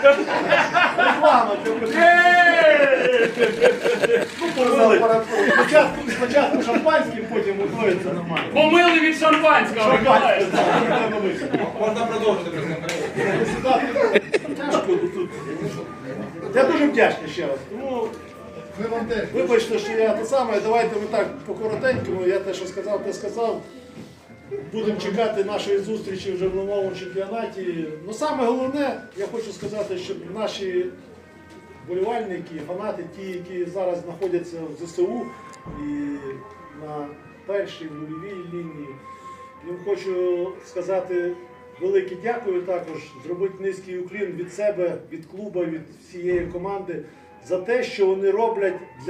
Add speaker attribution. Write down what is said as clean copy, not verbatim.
Speaker 1: Реклама для спочатку шампанське, потім готується нормально.
Speaker 2: Помили від шампанського, Миколаївич.
Speaker 3: Можна продовжити презентацію.
Speaker 1: Тяжко тут. Я дуже вдячний ще раз. Тому вибачте, що я те саме, давайте ми так по-коротенькому, я те, що сказав, те сказав. Будемо чекати нашої зустрічі вже в новому чемпіонаті. Ну саме головне, я хочу сказати, щоб наші вболівальники, фанати, ті, які зараз знаходяться в ЗСУ і на першій нульовій лінії, їм хочу сказати велике дякую також, зробити низький уклін від себе, від клубу, від всієї команди за те, що вони роблять для